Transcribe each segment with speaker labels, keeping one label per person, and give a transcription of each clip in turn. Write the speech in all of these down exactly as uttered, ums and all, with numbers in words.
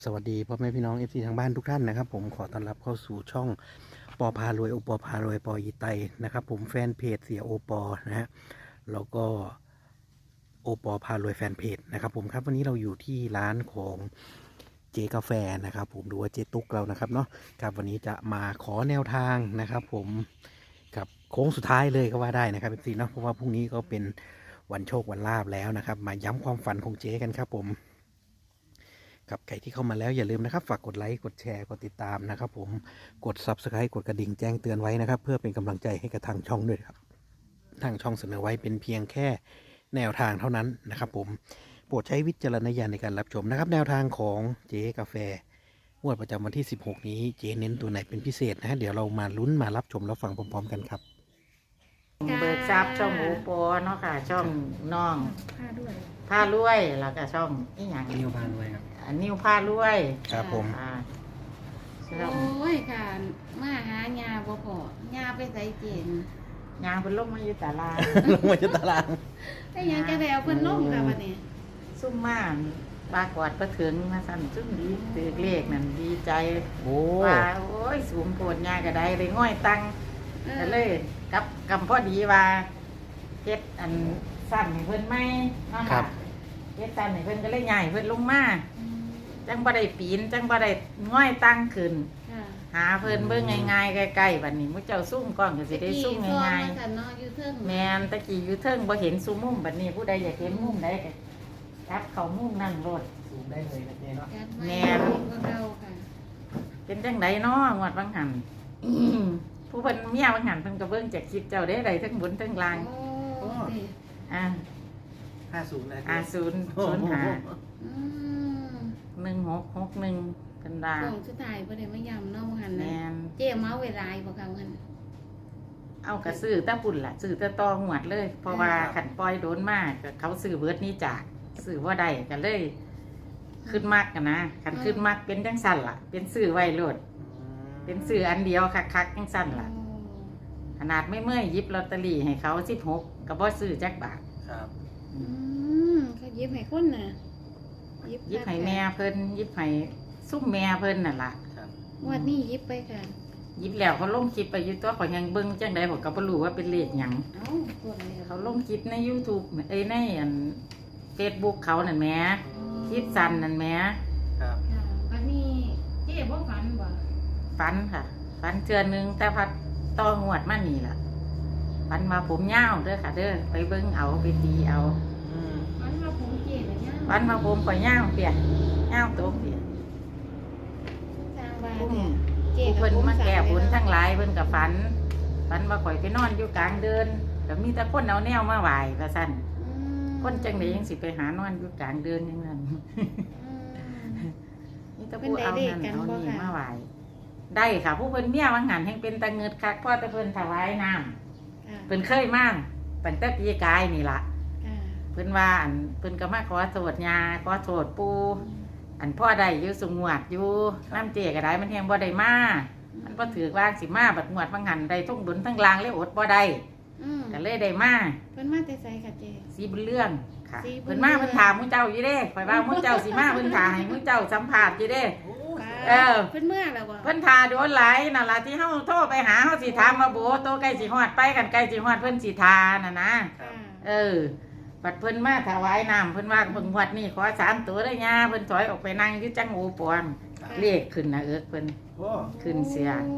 Speaker 1: สวัสดีพ่อแม่พี่น้องเอฟซีทางบ้านทุกท่านนะครับผมขอต้อนรับเข้าสู่ช่องปอพารวยโอปอพารวยปอยีไตนะครับผมแฟนเพจเสียโอปอนะฮะแล้วก็โอปอพารวยแฟนเพจนะครับผมครับวันนี้เราอยู่ที่ร้านของเจกาแฟนะครับผมดูว่าเจตุกเรานะครับเนาะครับวันนี้จะมาขอแนวทางนะครับผมกับโค้งสุดท้ายเลยก็ว่าได้นะครับเอฟซีเนาะเพราะว่าพรุ่งนี้ก็เป็นวันโชควันลาบแล้วนะครับมาย้ำความฝันของเจกันครับผมกับใครที่เข้ามาแล้วอย่าลืมนะครับฝากกดไลค์กดแชร์กดติดตามนะครับผมกด ซับสไครบ์ กดกระดิ่งแจ้งเตือนไว้นะครับเพื่อเป็นกำลังใจให้กับทางช่องด้วยครับทางช่องเสนอไว้เป็นเพียงแค่แนวทางเท่านั้นนะครับผมโปรดใช้วิจารณญาณในการรับชมนะครับแนวทางของเจ๊กาแฟงวดประจำวันที่สิบหกนี้เจ๊เน้นตัวไหนเป็นพิเศษนะฮะเดี๋ยวเรามาลุ้นมารับชมแล้วฟังพร้อมๆกันครับ
Speaker 2: เบิกทรัพย์ช่องหมูปอเนาะค่ะช่องน้อง
Speaker 3: ผ้าด้วย
Speaker 2: ผ้ารวยแล้วก็ช่องอีหยัง
Speaker 1: นิวพานไว้ครับ
Speaker 2: อันนิ้วผ้ารวย
Speaker 1: ครับผม
Speaker 2: อ่า
Speaker 3: โอ
Speaker 2: ช่อง้
Speaker 3: ยค่ะ มาหายาบ่พอยาไปใส่เจน
Speaker 2: ยางเป็นลมมาอยู่ตลาด
Speaker 1: ลงมาจากตาราง
Speaker 3: ได้หยังกระแดวเพิ่นลงค่ะบัดนี้
Speaker 2: ซุ่มม่านปากวาดประถึงมาสั่นซุ่มดีตือเลขนั่นดีใจ
Speaker 1: โอ้
Speaker 2: ว่าโอ้ยสูงโกดยากระไดเลยง่อยตัง
Speaker 3: เออ
Speaker 2: ก็เลยกับกำพอดีว่าเฮ็ดอันสั้นให้เพิ่นไหมเนาะ
Speaker 1: ครั
Speaker 2: ค่ะ
Speaker 1: บ
Speaker 2: เฮ็ดสั้นให้เพิ่นก็เลยใหญ่เพิ่นลงมา
Speaker 3: อืม
Speaker 2: จังบ่ได้ปีนจังบ่ได้ง่อยตั้งขึ้น
Speaker 3: ค่ะ
Speaker 2: หาเพิ่นเบิ่งง่ายๆใกล้ๆบัดนี้มื้อเจ้าซุ่มก่อนก็สิได้ซุ่มง่าย
Speaker 3: ๆค่ะเนาะอยู่เทิง
Speaker 2: ๆแม่นตะกี้อยู่เทิงบ่เห็นซุมมุมบัดนี้ผู้ใดอยากเห็นมุมใดก็จับเข้ามุมนั่งรถ
Speaker 1: ซูมได้เลยนะเจ๊เนาะ
Speaker 3: จัดไว้
Speaker 2: แม่น
Speaker 3: ก็เก่าค่ะ
Speaker 2: เป็นจังไดน้องวดบางหัน ผู้เพิ่นเมียบางหันเพิ่นก็เบิ่งจากคลิปเจ้าได้ได้ทั้งบนทั้งล่าง
Speaker 3: โอ้ดิ
Speaker 2: อ่า
Speaker 1: ห้าศูนย์นะ
Speaker 2: อ่าศูนย์ศูนย์ห้า
Speaker 3: อืม
Speaker 2: หนึ่งหกหกหนึ่งเพิ่นว่า
Speaker 3: ของสุดท้ายบ่ได้มายำเนาะบ่หันนะ
Speaker 2: แม่น
Speaker 3: เจ๊เมาเวลาบ่ค่ะหัน
Speaker 2: เอากระซื้อแตะปุ่นล่ะซื้อแตะตอหวดเลย เพราะว่าขันปล่อยโดนมากก็เขาซื้อเบิดนี้จากซื้อว่าได้ก็เลย ขึ้นมากกันนะขันขึ้นมากเป็นจังสั่นล่ะ เป็นซื้อไว้โลดเป็นซื้ออันเดียวคักๆจังสั่นล่ะ
Speaker 3: โอ้
Speaker 2: ขนาดไม่เมื่อยหยิบลอตเตอรี่ให้เขาสิบหกก็บ่ซื้อจักบาท
Speaker 1: ครับ
Speaker 3: อืมเขาหยิบให้คนน่ะ
Speaker 2: หยิบให้แม่เพิ่นหยิบให้ซุ่มแม่เพิ่นน่ะล่ะ
Speaker 1: ครับ
Speaker 3: งวดนี้หยิบไปค่ะ
Speaker 2: หยิบแล้วเขาลงคลิปไปอยู่ตัวเขายังเบิ่งจังใดผมก็บ่รู้ว่าเป็นเลขหยัง
Speaker 3: เอ้าพวกนี้
Speaker 2: เขาลงคลิปใน YouTube เอ้ยในอัน Facebook เขานั่นแหมคลิปสั้นนั่นแหม
Speaker 1: ครับ
Speaker 3: ค่ะวันนี้เจ๊บ่ฝันบ่
Speaker 2: ฟันค่ะฟันเทือนหนึงแต่พัดต่องวดมานี่ล่ะฟันมาผมยาวเด้อค่ะ เด้อไปเบิ่งเอาไปตีเอา
Speaker 1: อืม
Speaker 3: ฝันว่าผมเจ๊น่ะเนี่ย
Speaker 2: ฟันมาผมข่อยยาวเปียยาวโตเปีย
Speaker 3: สร้างบ้าน
Speaker 2: ผู้
Speaker 3: เนี่ยเจ๊
Speaker 2: ผู้
Speaker 3: กับ
Speaker 2: เพิ่น
Speaker 3: ผม
Speaker 2: มาแก่ผล
Speaker 3: สร้
Speaker 2: ทั้
Speaker 3: ง
Speaker 2: งหลายเพิ่นกับฟันฟันมาข่อยไปนอนอยู่กลางเดินก็มีแต่คนเอาแนวมาไหว้ว่าซั่น
Speaker 3: อืม
Speaker 2: คนจังไดยังสิไปหานอนอยู่กลางเดินอย่างนั้น
Speaker 3: อืม
Speaker 2: มีแต่ผู้เอานั่นเอานี่มาไหว้ได้ค่ะ ผู้เพิ่นเมียวังหันแห่งเป็นตะเงิดคักพ่อแต่เพิ่นถวายน้ำ
Speaker 3: ค่ะ
Speaker 2: เพิ่นเคยมาตั้งแต่ปีกายนี่ล่ะ
Speaker 3: ค่ะ
Speaker 2: เพิ่นว่าอันเพิ่นก็มาขอโทษยาขอโทษปู่อันพ่อได้อยู่สงวดอยู่น้ำเจก็ได้มันแฮงบ่ได้มามันบ่ถือว่าสิมาบัดงวดวังหันได้ทุ่งดุนทั้งลางเลยอดบ่ได้
Speaker 3: อืม
Speaker 2: ก็เลยได้มา
Speaker 3: เพิ่นมาแต่ไสค่ะเจ๊
Speaker 2: สีบุญเรื่องค่ะ
Speaker 3: สีบุญ
Speaker 2: เพิ่นมา
Speaker 3: เรื่อง
Speaker 2: เพิ่นถามมื้อเจ้าอยู่เด้ข่อยว่ามื้อเจ้าสิมาเพิ่นถามให้มื้อเจ้าสัมภาษณ์อยู่เด้ เออ
Speaker 3: เพิ่นเมื่อแล้วบ่
Speaker 2: เพิ่นทาโดนหลายนั่นล่ะที่เฮาโทรไปหาเฮาสิถามว่าโบโตใกล้สิฮอดไปกันใกล้สิฮอดเพิ่นสิทาน่ะนะ
Speaker 3: ค่ะ
Speaker 2: เออบัดเพิ่นมาถวายน้ำเพิ่นว่าเพิ่นฮอดนี่ขอสามตัวได้ย่าเพิ่นถอยออกไปนั่งอยู่จังโอปอนเลขขึ้นนะเอิกเพิ่น
Speaker 1: โอ้
Speaker 2: ขึ้นเสีย
Speaker 3: โอ้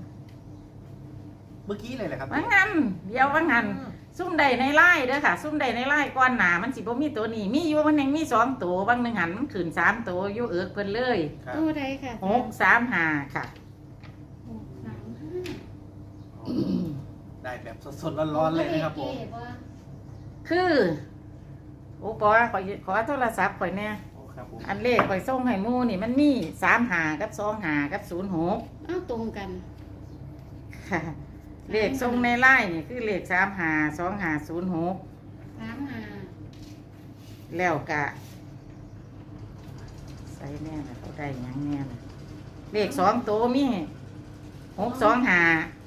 Speaker 1: เมื่อกี้เลยแหละครับ
Speaker 2: ว่างั้นเดี๋ยวว่างั้นซุ่มใดในไล่เด้อค่ะ ซุ่มใดในไล่ก้อนหนามันสิบ่มีตัวนี้มีอยู่มันยังมีสองตัวบางหนึงหันมันขึ้นสามตัวอยู่เอิกเพิ่นเลย
Speaker 1: ครับ
Speaker 3: ตัวใดค่ะ
Speaker 2: หกสามห้าค่ะ
Speaker 3: หกสามห้า
Speaker 1: ได้แบบสดๆร้อนๆเลยนะครับผม
Speaker 3: เจ๊บ่
Speaker 2: คือโอ้ปอขอขอโทรศัพท์ข่อยแน่
Speaker 1: โอ้ครับผม
Speaker 2: อันเลขข่อยส่งให้หมู่นี่มันมีสามห้ากับสองห้ากับศูนย์หก
Speaker 3: เอ้าตรงกัน
Speaker 2: ค่ะ เลขส่งในไล่นี่คือเลขสามห้าสองห้าศูนย์หก
Speaker 3: สามห้า
Speaker 2: แล้วกะใส่แน่ละเขาได้หยังแน่ละเลขสองตัวมีหกสองห้า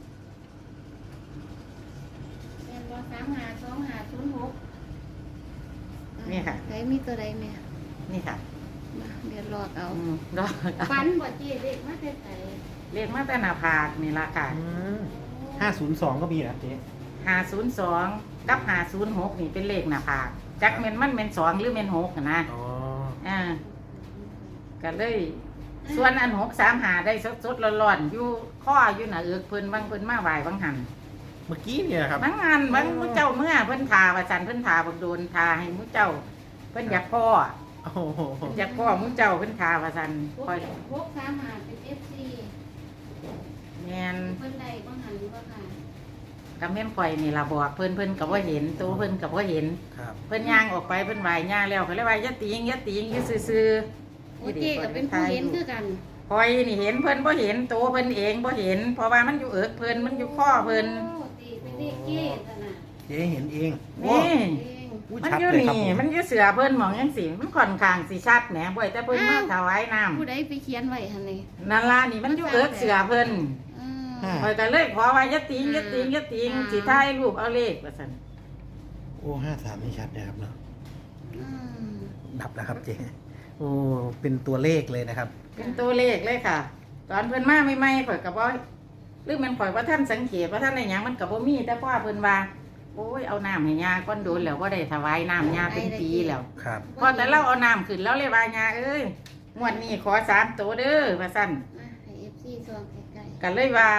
Speaker 3: แม่นบ่สามห้าสองห้าศูนย์หก
Speaker 2: นี่ค่ะ
Speaker 3: ใครมีตัวใดแม่
Speaker 2: นี่ค่ะ
Speaker 3: มเดี๋ยวรอเอา
Speaker 2: อืมดอก
Speaker 3: ฟันบ่เจ๊เด็กมาแต่ไส
Speaker 2: เลขมาแต่หน้าผากนี่ล่ะค่ะ
Speaker 1: ห้าศูนย์สองก็มีนะเจ๊
Speaker 2: ห้าศูนย์สองกับห้าศูนย์หกนี่เป็นเลขหน้าผากจักแม่นมันแม่นสองหรือแม่นหกน่ะนะ
Speaker 1: อ๋อ
Speaker 2: อ่าก็เลย ส่วนอันหกสามหาได้สดๆร้อนๆอยู่ข้ออยู่หน้าเอือกเพิ่นบางเพิ่นมาไหว้บางหัน
Speaker 1: เมื่อกี้เนี่ยครับ
Speaker 2: บางงานบางมุเจ้าเมื่อเพิ่นทาว่าจันเพิ่นทาบักโดนทาให้มุเจ้า เพิ่นอยากพ่อ
Speaker 1: โอ้โห
Speaker 2: เพิ่นอยากพ่อมุเจ้าเพิ่นทาว่าจัน
Speaker 3: พวก
Speaker 2: คอย
Speaker 3: พวกสามหาเป็น เอฟ ซี
Speaker 2: แม่น
Speaker 3: เพิ่นได้บ่หันบ่ค่ะ
Speaker 2: กับแม่นข่อยนี่ล่ะบอกเพิ่นเพิ่นก็บ่เห็นตัวเพิ่นก็บ่เห็น
Speaker 1: ครับ
Speaker 2: เพิ่นย่างออกไปเพิ่นไหว้ย่างแล้วก็เลยว่าอย่าติงอย่าติงอยู่ซื่อๆ
Speaker 3: โอ้เจ๊ก็เป็นผู้เห็นคือกัน
Speaker 2: คอยนี่เห็นเพิ่นบ่เห็นตัวเพิ่นเองบ่เห็น เพราะว่ามันอยู่เอิกเพิ่นมันอยู่ข้อเพิ่น
Speaker 3: โอ้ตีเป็นเลขเจ๊ซะน่ะ
Speaker 1: เจ๊เห็นเอง
Speaker 2: นี่
Speaker 3: เอง
Speaker 1: อุ้ย
Speaker 2: มัน
Speaker 1: ชัด
Speaker 2: อยู่
Speaker 1: เลยครับ
Speaker 2: นี่
Speaker 1: ผม
Speaker 2: มันอยู่เสือเพิ่นหมองจังซี่มันค่อนข้างสิชัดแหมบ่อยแต่เพิ่นมาถวายน้ำ
Speaker 3: ผู้ใดไปเขียนไว้หั่นนี่
Speaker 2: นั่นล่ะนี่มันอยู่เอิกเสือเพิ่น
Speaker 3: เออ
Speaker 2: คอยก็เลยขอว่าอย่าติงอย่าติงอย่าติง
Speaker 3: อ่า
Speaker 2: สิถ่ายรูปเอาเลขว่าซั่น
Speaker 1: โอ้ห้าสามนี่ชัดนะครับเนาะ
Speaker 3: อืม
Speaker 1: ดับแล้วครับเจ๊โอ้เป็นตัวเลขเลยนะครับ
Speaker 2: เป็นตัวเลขเลยค่ะ ตอนเพิ่นมาใหม่ๆข่อยก็บ่หรือมันข่อยว่าท่านสังเกตว่าท่านได้หยังมันก็บ่มีแต่พ่อเพิ่นว่าโอ้ยเอาน้ำให้ยาก้อนโดนแล้วบ่ได้ถวายน้ำยาเป็นปีแล้ว
Speaker 1: ครับ
Speaker 2: พอแต่เราเอาน้ำขึ้นแล้วเลยว่ายาเอ้ยงวดนี้ขอสามตัวเด้อว่าซั่น
Speaker 3: มาให้ เอฟ ซี ส่องใกล้
Speaker 2: ก็เลยว่า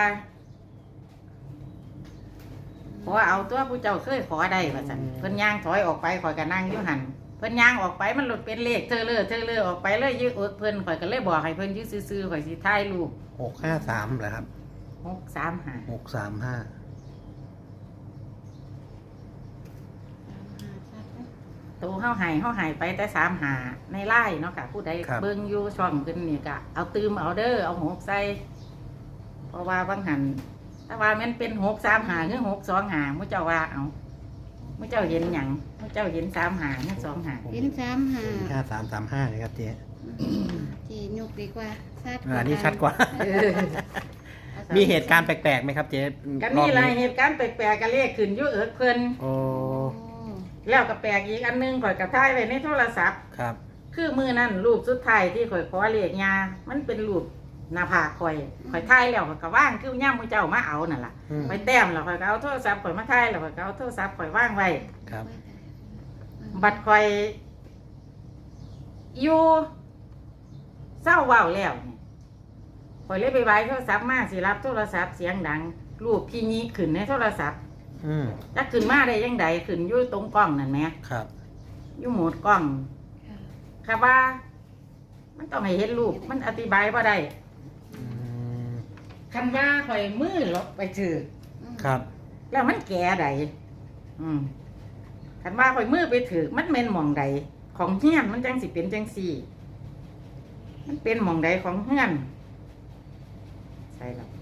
Speaker 2: ขอเอาตัวผู้เจ้าเคยขอได้ว่าซั่นเพิ่นย่างถอยออกไปข่อยก็นั่งอยู่หั่นเพิ่นย่างออกไปมันหลุดเป็นเลขเธอเลยเธอเลยออกไปเลยยืดอกเพิ่นข่อยก็เลยบอกให้เพิ่นยืดซื่อๆข่อยสิถ่ายรูป
Speaker 1: หกห้าสามเหรอครับ
Speaker 2: หกสามห้า
Speaker 1: หกสามห้า
Speaker 3: ๆชัดๆนะ
Speaker 2: ตัวเฮาใหายเฮาใหายไปแต่สามหาในไล่เนาะค่ะผู้ใดเบิ่งอยู่ช่องขึ้นนี่ก็เอาตืมเอาเด้อเอาหกใส่เพราะว่าบางหันถ้าว่ามันเป็นหกสามหาหรือหกสองหามุเจ้าว่าเอามุเจ้าเห็นหยังมุเจ้าเห็นสามหาหรือสองหา
Speaker 3: เห็นสามหา
Speaker 1: ห้าสามสามห้าเลยครับเจ๊
Speaker 3: เจ๊ยกดีกว่าชัด
Speaker 1: อ่านี่ชัดกว่า
Speaker 2: เออ
Speaker 1: มีเหตุการณ์แปลกๆไหมครับเจ๊
Speaker 2: ก็
Speaker 1: ร
Speaker 2: มี
Speaker 1: อบ
Speaker 2: หลาย
Speaker 1: นี้
Speaker 2: เหตุการณ์แปลกๆก็เลขขึ้นอยู่เอิกเพิ่น
Speaker 1: โอ้
Speaker 3: โอ้
Speaker 2: แล้วก็แปลกอีกอันหนึงข่อยก็ถ่ายไว้ในโทรศัพท์
Speaker 1: ครับ
Speaker 2: คือมือนั่นรูปสุดท้ายที่ข่อยขอเลขยามันเป็นรูปหน้าผากข่อยข่อยถ่ายแล้วข่อยก็ว่างคือย่ามมือเจ้ามาเอานั่นล่ะ
Speaker 1: อืม
Speaker 2: ข่อยแต้มแล้วข่อยก็เอาโทรศัพท์ข่อยมาถ่ายแล้วข่อยก็เอาโทรศัพท์ข่อยว่างไว้
Speaker 1: ครับ
Speaker 2: บัดข่อยอยู่เศร้าเว้าแล้วนี่ข่อยเลยไปไว้โทรศัพท์มาสิรับโทรศัพท์เสียงดัง รูปพี่นี้ขึ้นในโทรศัพท์
Speaker 1: อืม
Speaker 2: ถ้าขึ้นมาได้ยังไงขึ้นอยู่ตรงกล้องนั่นแหม
Speaker 1: ครับ
Speaker 2: อยู่โหมดกล้องค่ะว่า มันต้องให้เห็นรูปมันอธิบายว่าได้
Speaker 1: อืม
Speaker 2: คันว่าข่อยมือลบไปถือ
Speaker 1: ครับ
Speaker 2: แล้วมันแก่ใดอืมคันว่าข่อยมือไปถือมันเป็นหม่องใดของเฮียนมันจังสิเป็นจังสี่ มันเป็นหม่องใดของเฮียนใช่แล้ว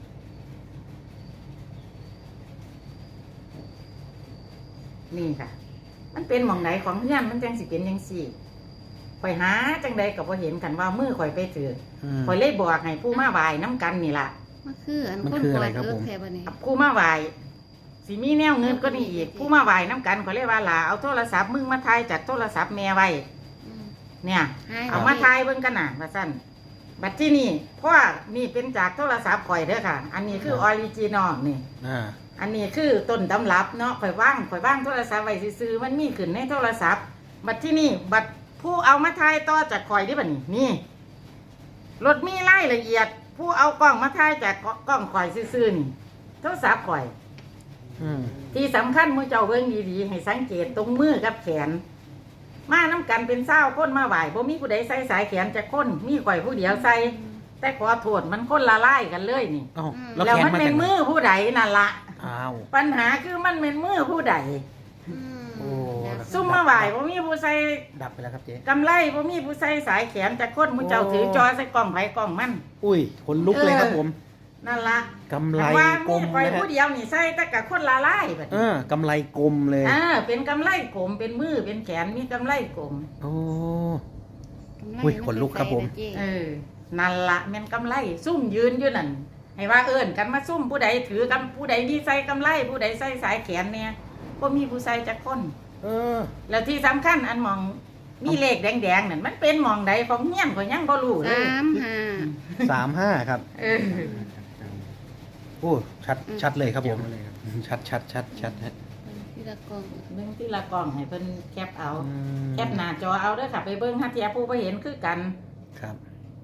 Speaker 2: นี่ค่ะ มันเป็นหม่องใดของเฮียนมันจังสิเป็นจังสี่ข่อยหาจังใดก็บ่เห็นกันว่ามือข่อยไปถือ
Speaker 1: อืม
Speaker 2: ข่อยเลยบอกให้ผู้มาไหว้น้ำกันนี่ล่ะ
Speaker 3: มันคืออัน
Speaker 1: มัน
Speaker 3: คน
Speaker 1: คือ
Speaker 3: ป
Speaker 1: อะ
Speaker 3: ล่
Speaker 1: ไร
Speaker 3: อย
Speaker 1: ครับ
Speaker 3: เอิ
Speaker 1: ผ
Speaker 3: ก
Speaker 1: ม
Speaker 3: แค่บัดนี้
Speaker 2: ผู้มาไหว้สิมีแนวเงินก็นี่อีกผู้มาไหว้น้ำกันข่อยเลยว่าล่ะเอาโทรศัพท์มึงมาถ่ายจากโทรศัพท์แม่ไว้
Speaker 3: อืม
Speaker 2: เนี่ย
Speaker 3: ให้
Speaker 2: เอามาถ่ายเบิ่งกันน่ะว่าซั่นบัดที่นี่เพราะว่านี่เป็นจากโทรศัพท์ข่อยเด้อค่ะ อันนี้คือออริจินอลนี่
Speaker 1: อ่า
Speaker 2: อันนี้คือต้นตำรับเนาะข่อยว่างข่อยว่างโทรศัพท์ไว้ซื่อๆมันมีขึ้นในโทรศัพท์ บัดที่นี่บัดผู้เอามาถ่ายต่อจากข่อยดิบัดนี้นี่รถมีรายละเอียด ผู้เอากล้องมาถ่ายจากกล้องข่อยซื่อๆนี่โทรศัพท์ข่อย
Speaker 1: อืม
Speaker 2: ที่สำคัญมือเจ้าเบิ่งดีๆให้สังเกตตรงมือกับแขน มาน้ำกันเป็นเศร้าคนมาไหวบ่มีผู้ใดใส่สายแขนจะคนมีข่อยผู้เดียวใส่ แต่ขอโทษมันคนละลายกันเลยนี่
Speaker 1: เอ้า
Speaker 2: แล้ว
Speaker 1: แข
Speaker 2: มัน
Speaker 1: มา
Speaker 2: เป็
Speaker 1: จาน กไห
Speaker 2: มือผู้ใดนั่นละ
Speaker 1: อ้าว
Speaker 2: ปัญหาคือมันเป็นมือผู้ใด
Speaker 3: อืม
Speaker 1: โอ้
Speaker 2: ซุ่มมาไหวบ่มีผู้ใส่
Speaker 1: ดับไปแล้วครับเจ๊
Speaker 2: กำไรบ่มีผู้ใส่สายแขนจะคนมือเจ้าถือจอใส่กล้องไผกล้องมัน
Speaker 1: อุ้ยขนลุกเลยครับผม
Speaker 2: นั่นละ
Speaker 1: กำไร
Speaker 2: ว่าก
Speaker 1: ล
Speaker 2: มี
Speaker 1: ม
Speaker 2: ข่อย
Speaker 1: นะฮะ
Speaker 2: ผู้เดียวนี่ใส่แต่กับคนละลายบัด
Speaker 1: เอ
Speaker 2: นี้
Speaker 1: อกำไรกลมเลย
Speaker 2: อ่าเป็นกำไรกลมเป็นมือเป็นแขนมีกำไรกลม
Speaker 1: โอ้
Speaker 3: กำไร
Speaker 1: อุ้ยขนลุกครับผม
Speaker 3: นจะใส่
Speaker 2: เอ
Speaker 3: ได้เจ๊
Speaker 2: อ นั่นละแม่นกำไร ซุ่มยืนอยู่นั่น ให้ว่าเอิ้นกันมาซุ่มผู้ใดถือกำผู้ใดดีใส่กำไร ผู้ใดใส่สายแขนเนี่ยก็มีผู้ใส่จักคน
Speaker 1: เออ
Speaker 2: แล้วที่สำคัญอันหมองมีเลขแดงๆนั่นมันเป็นหมองใดของเงี้ยนก็ยังบ่รู้เลย
Speaker 3: สามห้า
Speaker 1: สามห้าครับ
Speaker 2: เออ
Speaker 1: โอ้ชัดชัดเลยครับผม
Speaker 4: เลยครับ
Speaker 1: ชัดชัดชัดชัดฮะ
Speaker 3: ที่ละกล่อง
Speaker 2: เบิ่งที่ละกล่องให้เพิ่นแคปเอา
Speaker 1: อืม
Speaker 2: แคปหน้าจอเอาเด้อค่ะ ไปเบิ่งหาเทียผู้บ่เห็นคือกัน
Speaker 1: ครับ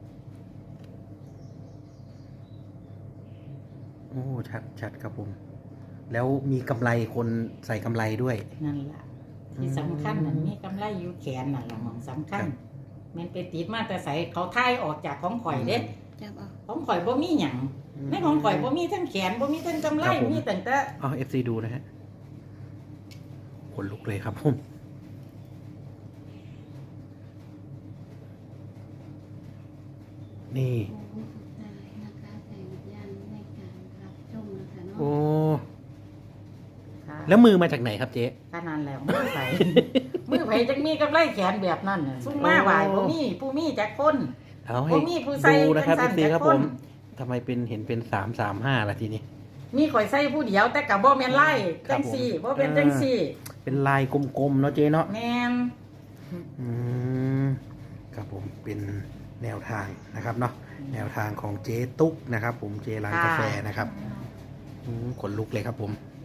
Speaker 1: โอ้ชัดชัดครับผม แล้วมีกำไรคนใส่กำไรด้วย
Speaker 2: นั่นล่ะ ที่สำคัญนั่นมีกำไรอยู่แขนนั่นล่ะหมองสำคัญ
Speaker 1: ครับ
Speaker 2: แมันไปติดมาแต่ใส่เขาทายออกจากของข่อยเด้
Speaker 3: จับเอา
Speaker 2: ของข่อยบ่มีหยังในของข่อยบ่มีทั้งแขนบ่มีทั้งกำไร
Speaker 1: ครับผม
Speaker 2: มีแต่แต่
Speaker 1: เอาเอฟซีดูนะฮะขนลุกเลยครับผม นี่
Speaker 3: โอ้สุดท้ายนะคะใส่วิญญาณในการรับชมนะคะเนาะ
Speaker 1: โอ้
Speaker 2: ค่ะ
Speaker 1: แล้วมือมาจากไหนครับเจ๊
Speaker 2: ขนาดแล้วมือไผ มือไผจังมีกำไรแขนแบบนั้นน่ะซุ่มมาหวายบ่มีผู้มีจักคน
Speaker 1: เอาให้
Speaker 2: บ่มีผู้ใส่
Speaker 1: ดูนะครับ
Speaker 2: จั
Speaker 1: เอง ฟ
Speaker 2: ซั่น
Speaker 1: ซีครับ
Speaker 2: จักคน
Speaker 1: ผมทำไมเป็นเห็นเป็นสามสามห้าละทีนี้
Speaker 2: มีข่อยใส่ผู้เดียวแต่ก็บ่แม่นไล่
Speaker 1: ครั
Speaker 2: จั
Speaker 1: บ
Speaker 2: งซี่บ่เป็นจังซี่
Speaker 1: เป็นลายกลมๆเนาะเจ๊เนาะ
Speaker 2: แม่น
Speaker 1: อืมครับผมเป็นแนวทางนะครับเนาะแนวทางของเจ๊ตุ๊กนะครับ ผมเจร้านกาแฟนะครับอืมขนลุกเลยครับผม
Speaker 2: ค